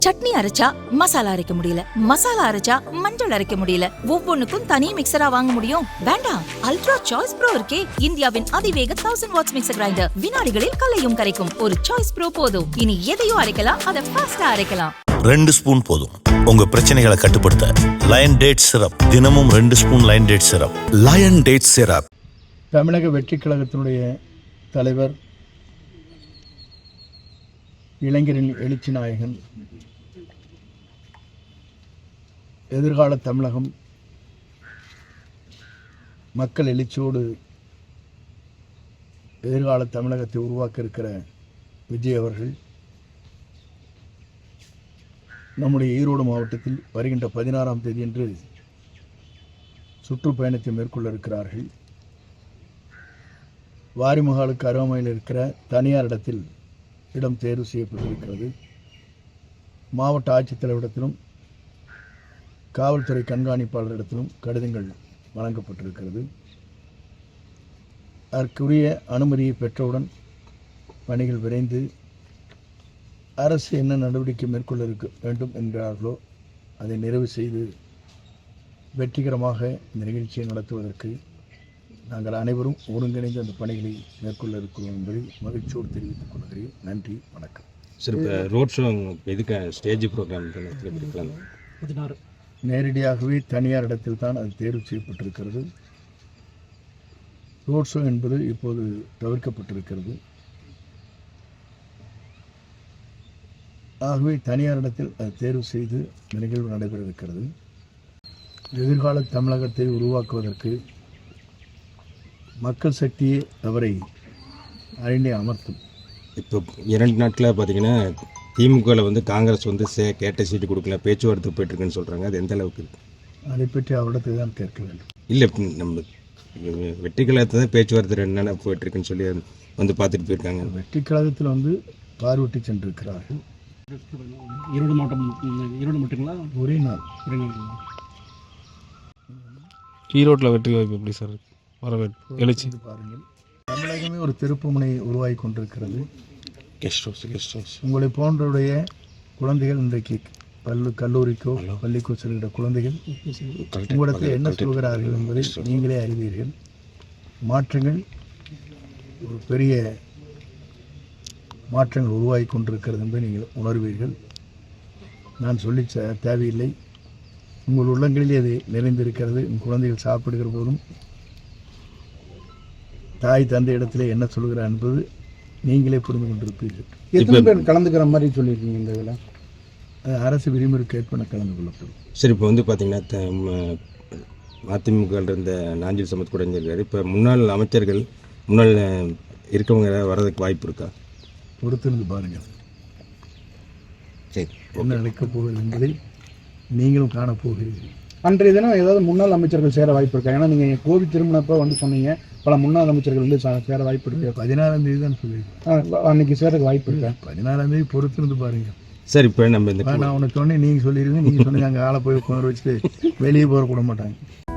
சட்னி அரைச்சா மசாலா அரைக்க முடியல, மசாலா அரைச்சா மஞ்சள் அரைக்க முடியல, ஒவ்வொன்னுக்கும் தனி மிக்சரா வாங்க முடியும்? வேண்டாம், அல்ட்ரா சாய்ஸ் ப்ரோ இருக்கே, இந்தியாவின் அதிவேக 1000 வாட்ஸ் மிக்சர் கிரைண்டர், வினாடிகளில் கலையும் கரைக்கும். ஒரு சாய்ஸ் ப்ரோ போதும். இனி எதையும் அரைக்கலாம், அதை ஃபாஸ்டா அரைக்கலாம். 2 ஸ்பூன் போதும் உங்க பிரச்சனைகளை கட்டுப்படுத்த. லயன் டேட் சிரப், தினமும் 2 spoon lion date syrup. Lion date syrup. தமிழக வெற்றிக் கழகத்தினுடைய தலைவர், இளைஞரின் எழுச்சி நாயகன், எதிர்கால தமிழகம் மக்கள் எழுச்சியோடு எதிர்கால தமிழகத்தை உருவாக்க இருக்கிற விஜய் அவர்கள் நம்முடைய ஈரோடு மாவட்டத்தில் வருகின்ற 16ஆம் தேதியன்று சுற்றுப்பயணத்தை மேற்கொள்ள இருக்கிறார்கள். வாரிமுகாலுக்கு அருகாமையில் இருக்கிற தனியார் இடத்தில் இடம் தேர்வு செய்யப்பட்டிருக்கிறது. மாவட்ட ஆட்சித்தலைவரிடத்திலும் காவல்துறை கண்காணிப்பாளரிடத்திலும் கடிதங்கள் வழங்கப்பட்டிருக்கிறது. அதற்குரிய அனுமதியை பெற்றவுடன் பணிகள் விரைந்து அரசு என்ன நடவடிக்கை மேற்கொள்ள வேண்டும் என்கிறார்களோ அதை நிறைவு செய்து வெற்றிகரமாக இந்த நிகழ்ச்சியை நடத்துவதற்கு நாங்கள் அனைவரும் ஒருங்கிணைந்து அந்த பணிகளை மேற்கொள்ள இருக்கிறோம் என்பதை மகிழ்ச்சியோடு தெரிவித்துக் கொள்கிறேன். நன்றி, வணக்கம். சரி, இப்போ ரோட் ஷோ எதுக்கு ஸ்டேஜ் ப்ரோக்ராம் 16 நேரடியாகவே தனியார் இடத்தில் தான் அது தேர்வு செய்யப்பட்டிருக்கிறது. ரோட் ஷோ என்பது இப்போது தவிர்க்கப்பட்டிருக்கிறது. ஆகவே தனியார் இடத்தில் அது தேர்வு செய்து நிகழ்வு நடைபெற இருக்கிறது. எதிர்கால தமிழகத்தை உருவாக்குவதற்கு மக்கள் சக்தியே அவரை அறிந்தே அமர்த்தும். இப்போ 2 நாட்களில் பார்த்தீங்கன்னா திமுகவில் வந்து காங்கிரஸ் வந்து கேட்ட சீட்டு கொடுக்கல, பேச்சுவார்த்தை போயிட்டுருக்குன்னு சொல்கிறாங்க. அது எந்த அளவுக்கு இருக்குது? அதை பற்றி அவரிடத்தை தான் கேட்க வேண்டும். இல்லை, நம்ம வெற்றி கழகத்தை தான் பேச்சுவார்த்தை 2 நாள் போயிட்டுருக்குன்னு சொல்லி வந்து பார்த்துட்டு போயிருக்காங்க. வெற்றி கழகத்தில் வந்து பார்வையிட்டு சென்றிருக்கிறார்கள். ஈரோடு மாவட்டம், ஈரோடு மட்டுங்களா? ஒரே நாள். ஈரோட்டில் வெற்றி வாய்ப்பு எப்படி சார் வரவேற்பு எழுச்சி பாருங்கள், தமிழகமே ஒரு திருப்புமுனை உருவாகி கொண்டிருக்கிறது. கெஸ்ட் ஹவுஸ் உங்களை போன்றவுடைய குழந்தைகள் இன்றைக்கு கல்லூரிக்கோ பள்ளிக்கோ செல்கிற குழந்தைகள் உங்களிடத்தில் என்ன சொல்கிறார்கள் என்பதை நீங்களே அறிவீர்கள். மாற்றங்கள், ஒரு பெரிய மாற்றங்கள் உருவாகி கொண்டிருக்கிறது என்பதை நீங்கள் உணர்வீர்கள். நான் சொல்லி தேவையில்லை, உங்கள் உள்ளங்களிலே அது நிறைந்திருக்கிறது. உங்கள் குழந்தைகள் சாப்பிடுகிற போதும் தாய் தந்தை இடத்துல என்ன சொல்கிறார் என்பது நீங்களே புரிந்து கொண்டிருப்பீர்கள். எத்தனை பேர் கலந்துக்கிற மாதிரி சொல்லியிருக்கீங்க இந்த இதில்? அரசு விதிமுறைக்கு ஏற்ப கலந்து கொள்ளப்படும். சரி, இப்போ வந்து பார்த்தீங்கன்னா அதிமுக இருந்த நாஞ்சில் சமத் கூட இருக்காரு. இப்போ முன்னாள் அமைச்சர்கள், முன்னாள் இருக்கவங்க வர்றதுக்கு வாய்ப்பு இருக்கா? பொறுத்திருந்து பாருங்கள் சரி, என்ன நடக்கப் போகிறது என்பதை நீங்களும் காணப்போகிறீர்கள். அன்றைய தினம் ஏதாவது முன்னாள் அமைச்சர்கள் சேர வாய்ப்பு இருக்கா? ஏன்னா நீங்கள் கோவில் திருமணப்போ வந்து சொன்னீங்க பல முன்னாள் அமைச்சர்கள் வந்து சேர வாய்ப்பு இருக்கு. 16ஆம் தேதி தான் சொல்லியிருக்கேன். அன்னைக்கு சேரக்கு வாய்ப்பு இருக்கா? 16ஆம் தேதி பொறுத்திருந்து பாருங்கள். சரி, இப்போ நம்ம இந்த நான் உனக்கு சொன்னேன், நீங்கள் சொல்லிடுவீங்க. நீங்கள் சொன்னீங்க அங்கே ஆளை போய் உட்கார வச்சுட்டு வெளியே போக கூட மாட்டாங்க.